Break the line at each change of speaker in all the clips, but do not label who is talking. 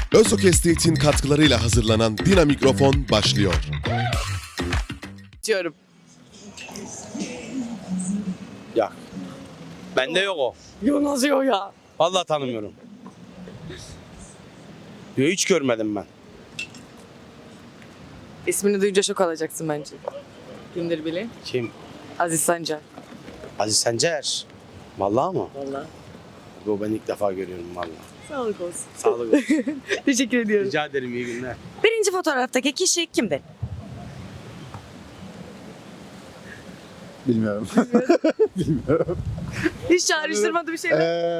Özok Estate'in katkılarıyla hazırlanan Dina Mikrofon başlıyor.
Diyorum.
Ya. Bende yok o.
Yo nasıl yok ya?
Vallahi tanımıyorum. Yo, hiç görmedim ben.
İsmini duyunca şok alacaksın bence. Kimdir bile?
Kim?
Aziz Sancar.
Aziz Sencer. Vallahi mı?
Vallahi.
Bu ben ilk defa görüyorum vallahi.
Sağlık olsun.
Sağlık olsun.
Teşekkür ediyorum.
Rica ederim, iyi günler.
Birinci fotoğraftaki kişi kimdir?
Bilmiyorum.
Hiç çağrıştırmadı bir şey.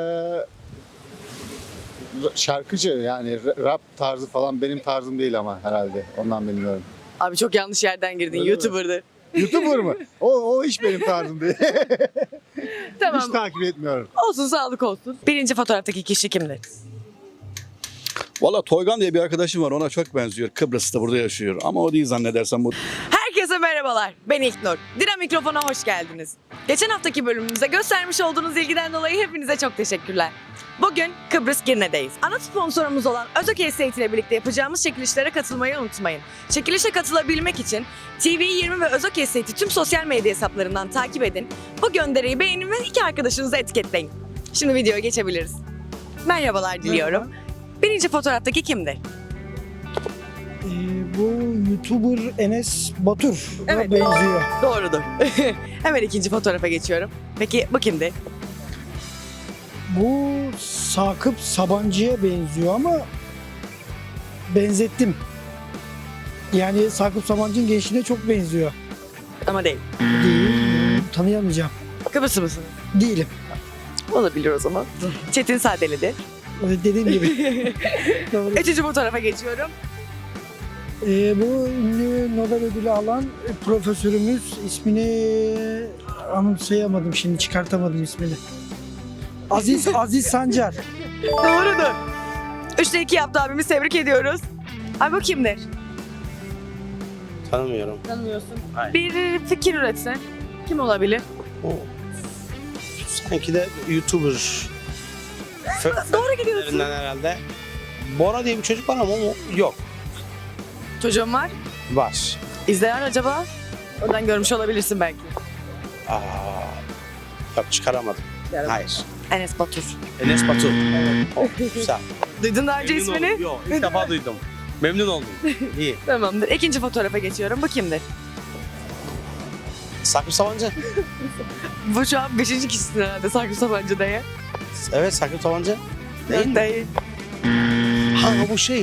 Şarkıcı yani rap tarzı falan benim tarzım değil ama herhalde. Ondan bilmiyorum.
Abi çok yanlış yerden girdin.
Öyle mi?
YouTuber'dı.
YouTuber mı? O hiç benim tarzım değil.
Tamam.
Hiç takip etmiyorum.
Olsun sağlık olsun. Birinci fotoğraftaki kişi kimdir?
Valla Toygan diye bir arkadaşım var, ona çok benziyor. Kıbrıs'ta burada yaşıyor ama o değil zannedersem bu.
Herkese merhabalar. Ben İlknur. Dina Mikrofon'a hoş geldiniz. Geçen haftaki bölümümüze göstermiş olduğunuz ilgiden dolayı hepinize çok teşekkürler. Bugün Kıbrıs Girne'deyiz. Ana sponsorumuz olan Özok Estate ile birlikte yapacağımız çekilişlere katılmayı unutmayın. Çekilişe katılabilmek için TV20 ve Özok Estate'i tüm sosyal medya hesaplarından takip edin. Bu gönderiyi beğenin ve 2 arkadaşınızı etiketleyin. Şimdi videoya geçebiliriz. Merhabalar diliyorum. Birinci fotoğraftaki kimdir?
Bu YouTuber Enes Batur
Evet.
benziyor.
Doğrudur. Hemen ikinci fotoğrafa geçiyorum. Peki bu kimdi?
Bu Sakıp Sabancı'ya benziyor ama benzettim. Yani Sakıp Sabancı'nın gençliğine çok benziyor.
Ama değil.
Değil, tanıyamayacağım.
Kıbrıslı mısın?
Değilim.
Olabilir o zaman. Çetin Sadeli'dir.
Dediğim gibi. Doğru.
Üçüncü fotoğrafa geçiyorum.
Bu ünlü Nobel ödülü alan profesörümüz, ismini anımsayamadım şimdi, çıkartamadım ismini. Aziz Sancar.
Doğrudur. 3'te 2 yaptı abimiz. Tebrik ediyoruz. Abi bu kimdir?
Tanımıyorum.
Tanımıyorsun.
Hayır.
Bir fikir üretsen. Kim olabilir?
O. Sanki de YouTuber.
Doğru gidiyorsun.
Lerinden herhalde. Bora diye bir çocuk var ama o yok.
Çocuğum var.
Var.
İzleyen acaba? Oradan görmüş olabilirsin belki.
Aa, yok çıkaramadım. Hayır.
Enes Batur.
Enes Batur. Oh, güzel.
Duydun daha önce
Memnun
ismini?
oldum. Yok, ilk defa duydum. Memnun oldum. İyi.
Tamamdır. İkinci fotoğrafa geçiyorum. Bu kimdir?
Sakıp Sabancı.
Bu şu an 5. kişisin herhalde Sakıp Sabancı diye.
Evet, Sakıp Sabancı. Değil mi?
Değil.
Ha, bu şey.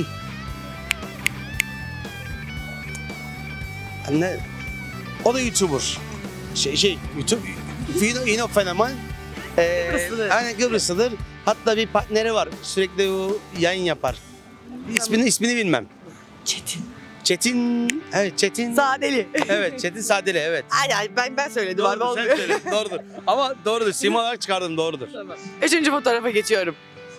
Anne. O da YouTuber. YouTube. Yine fenomen.
Kıbrıslıdır.
Aynen Kıbrıslıdır. Hatta bir partneri var. Sürekli o yayın yapar. İsmini bilmem.
Çetin.
Çetin. Evet, Çetin.
Sadeli.
Evet, Çetin Sadeli, evet.
Ay ben söyledim abi
Doğrudur, sen
olmuyor.
söyledin, doğrudur. Ama doğrudur, sima olarak çıkardım, doğrudur.
Tamam. Üçüncü fotoğrafa geçiyorum.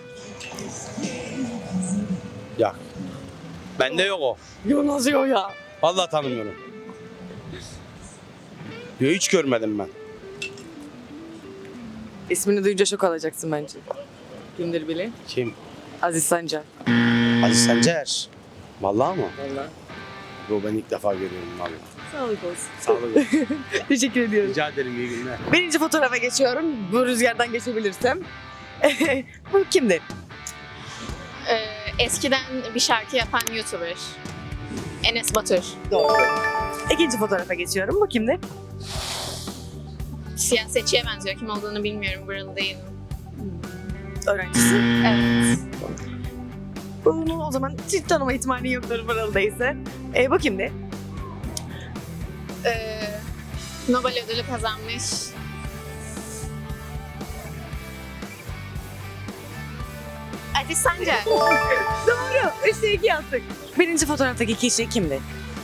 Ya. Bende yok o.
Yo nasıl yok ya?
Vallahi tanımıyorum. Yo, hiç görmedim ben.
İsmini duyunca şok alacaksın bence. Kimdir bile?
Kim?
Aziz Sancar.
Aziz Sencer. Vallahi mı?
Vallahi.
Bu ben ilk defa görüyorum vallahi.
Sağlık olsun.
Sağlık olsun.
Teşekkür ediyorum.
Rica ederim, iyi günler.
Birinci fotoğrafa geçiyorum. Bu rüzgardan geçebilirsem. Bu kimdir?
Eskiden bir şarkı yapan YouTuber. Enes Batur.
Doğru. İkinci fotoğrafa geçiyorum. Bu kimdir?
Siyasetçiye benziyor. Kim olduğunu bilmiyorum. Buralı değilim.
Öğrencisi.
Evet.
Bunu o zaman hiç tanıma ihtimali yoktur buralı değilse. Bu kimdir?
Nobel ödülü kazanmış. Aziz Sancar.
Doğru. 3'te 2 yaptık. Birinci fotoğraftaki kişi kimdir?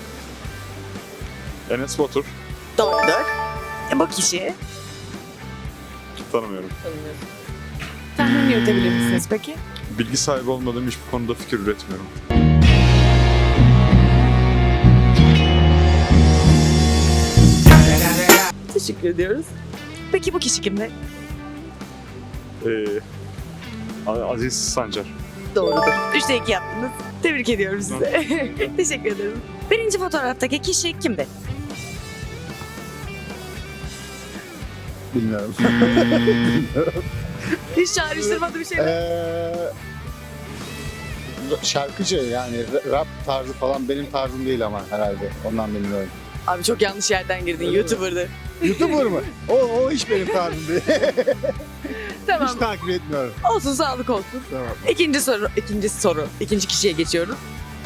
Enes Batur.
Doğrudur. Bu kişi?
Tanımıyorum.
Tahmin yürütebilir misiniz peki?
Bilgi sahibi olmadığım hiçbir konuda fikir üretmiyorum.
Teşekkür ediyoruz. Peki bu kişi kimdir?
Aziz Sancar.
doğrudur. 3'te 2 yaptınız. Tebrik ediyorum size. Teşekkür ederim. Birinci fotoğraftaki kişi kimdi?
Bilmiyorum.
Hiç çağrıştırmadı bir şey mi?
Şarkıcı yani rap tarzı falan benim tarzım değil ama herhalde. Ondan bilmiyorum.
Abi çok yanlış yerden girdin. YouTuber'dı.
YouTuber mı? O hiç benim tarzım değil.
Tamam.
Hiç takip etmiyorum.
Olsun, sağlık olsun.
Tamam.
İkinci kişiye geçiyorum.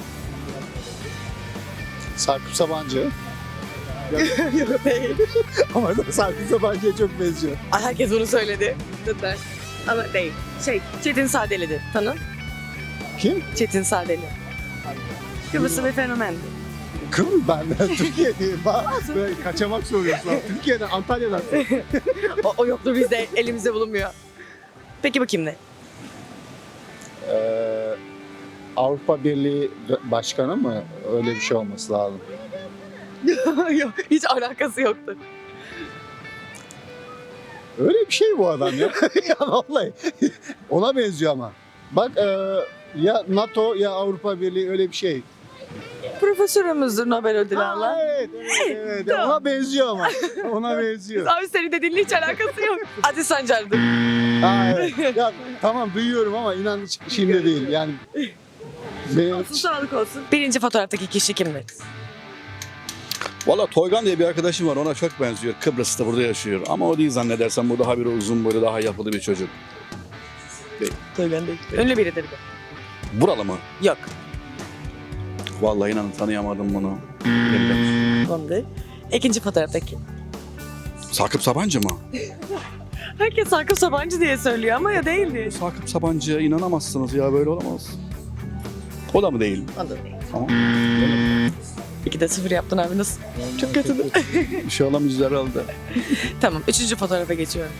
Sakıp Sabancı.
Yok değil.
Ama Sakıp Sabancı'ya çok benziyor.
Ay, herkes bunu söyledi. Ama değil. Çetin Sadeli'di. Tanın?
Kim?
Çetin Sadeli. Kıbrıslı bir fenomendi.
Kım ben Türkiye'deyim. Böyle kaçamak soruyorsun. Türkiye'den, Antalya'dan.
O yoktur bizde, elimizde bulunmuyor. Peki bu kimdi?
Avrupa Birliği Başkanı mı? Öyle bir şey olması lazım.
Yok, hiç alakası yoktu.
Öyle bir şey bu adam ya. Ya vallahi. Ona benziyor ama. Bak ya NATO ya Avrupa Birliği öyle bir şey.
Profesörümüzdür Nobel ödülü alan.
Evet.
Tamam.
Ona benziyor ama. Ona benziyor.
Abi senin dediğinle hiç alakası yok. Aziz Sancar'dır.
Evet. Ya tamam duyuyorum ama inan hiç şimdi değil. Yani benim
Olsun, sağlık olsun. Birinci fotoğraftaki kişi kimdi?
Valla Toygan diye bir arkadaşım var, ona çok benziyor. Kıbrıs'ta burada yaşıyor. Ama o değil zannedersem, bu daha bir uzun boylu, daha yapılı bir çocuk.
Toygan değil. Ünlü biridir bu.
Buralı mı?
Yok.
Vallahi inanın tanıyamadım bunu. Bilmiyorum.
Tamam değil. İkinci fotoğraftaki.
Sakıp Sabancı mı?
Herkes Sakıp Sabancı diye söylüyor ama ya değildi.
Sakıp Sabancı'ya inanamazsınız ya, böyle olamaz. O da mı değil? Tamam.
2'de 0 yaptın abi, nasıl? Çok kötüydü.
Bir şey olamayız herhalde.
Tamam, üçüncü fotoğrafa geçiyorum.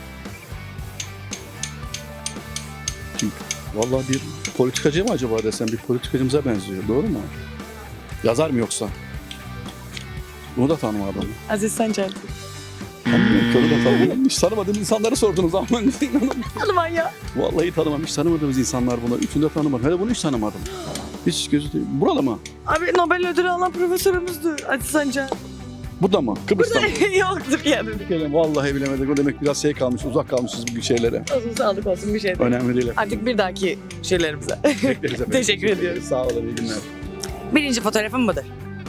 Vallahi bir politikacı mı acaba desem, bir politikacımıza benziyor. Doğru mu? Yazar mı yoksa? Bunu da tanımadım.
Aziz Sancar.
Tanımıyorum ki, onu da tanımıyorum. Hiç tanımadığım insanları sordunuz ama ben inanamadım.
Alman ya.
Vallahi tanımam. Hiç tanımadığımız insanlar bunlar. Üçünü de tanımadım. Hele bunu hiç tanımadım. Hiç gözü değil. Buralı mı?
Abi Nobel ödülü alan profesörümüzdü Aziz Sancar.
Burada mı? Kıbrıs'ta mı?
Yoktur yani.
Vallahi bilemedik. O demek biraz kalmış, uzak kalmışız bu şeylere.
Olsun, sağlık olsun, bir şey değil.
Önemli değil.
Artık bir dahaki şeylerimize.
Bekleriz efendim.
Teşekkür ediyoruz.
Sağ olun, iyi günler.
Birinci fotoğrafım budur.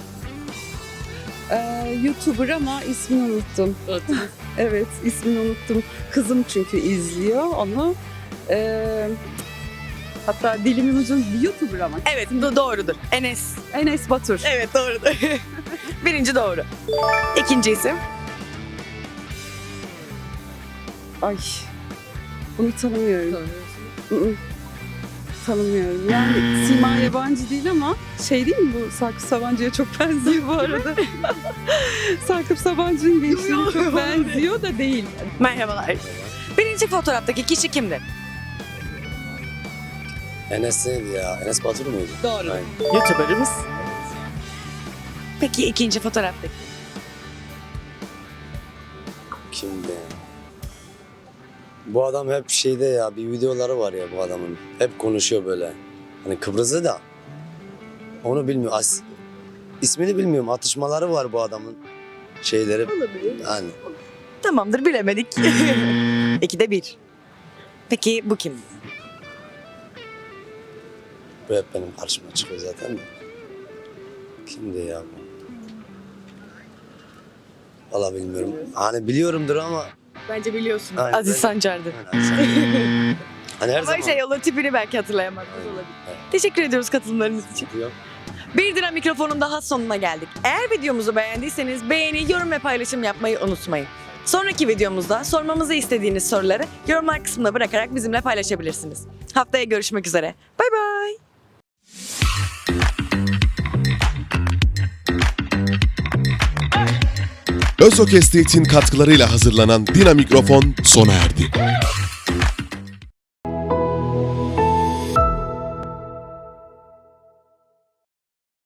YouTuber ama ismini unuttum. Evet, ismini unuttum. Kızım çünkü izliyor onu. Hatta dilimin ucunda bir YouTuber ama.
Evet, doğrudur. Enes.
Enes Batur.
Evet, doğrudur. Birinci doğru. İkinci isim.
Ay, bunu tanımıyorum. Tanımıyorum. Yani Sima yabancı değil ama şey değil mi bu? Sakıp Sabancı'ya çok benziyor bu arada. Sakıp Sabancı'nın gençliğine çok benziyor da değil.
Merhabalar. Birinci fotoğraftaki kişi kimdi?
Enes neydi ya? Enes Batur muydu?
Doğru.
Aynen.
YouTuber'ımız. Peki ikinci fotoğraftaki?
Kimdi? Bu adam hep şeyde ya, bir videoları var ya bu adamın. Hep konuşuyor böyle. Hani Kıbrıs'ı da. Onu bilmiyorum. İsmini bilmiyorum. Atışmaları var bu adamın. Şeyleri.
Olabilir.
Yani.
Tamamdır, bilemedik. 2'de 1. Peki bu kim?
Bu hep benim karşıma çıkıyor zaten de. Kimdi ya bu? Valla bilmiyorum. Hani biliyorumdur ama.
Bence biliyorsun.
Aynen,
Aziz
ben-
Sancar'dı.
Hani her
Ama
zaman.
şey olur, tipini belki hatırlayamadınız olabilir.
Evet.
Teşekkür ediyoruz katılımlarınız için.
Yok.
Bir Dira Mikrofon'un daha sonuna geldik. Eğer videomuzu beğendiyseniz beğeni, yorum ve paylaşım yapmayı unutmayın. Sonraki videomuzda sormamızı istediğiniz soruları yorumlar kısmına bırakarak bizimle paylaşabilirsiniz. Haftaya görüşmek üzere. Bay bay.
Özok Estate'in katkılarıyla hazırlanan Dina Mikrofon sona erdi.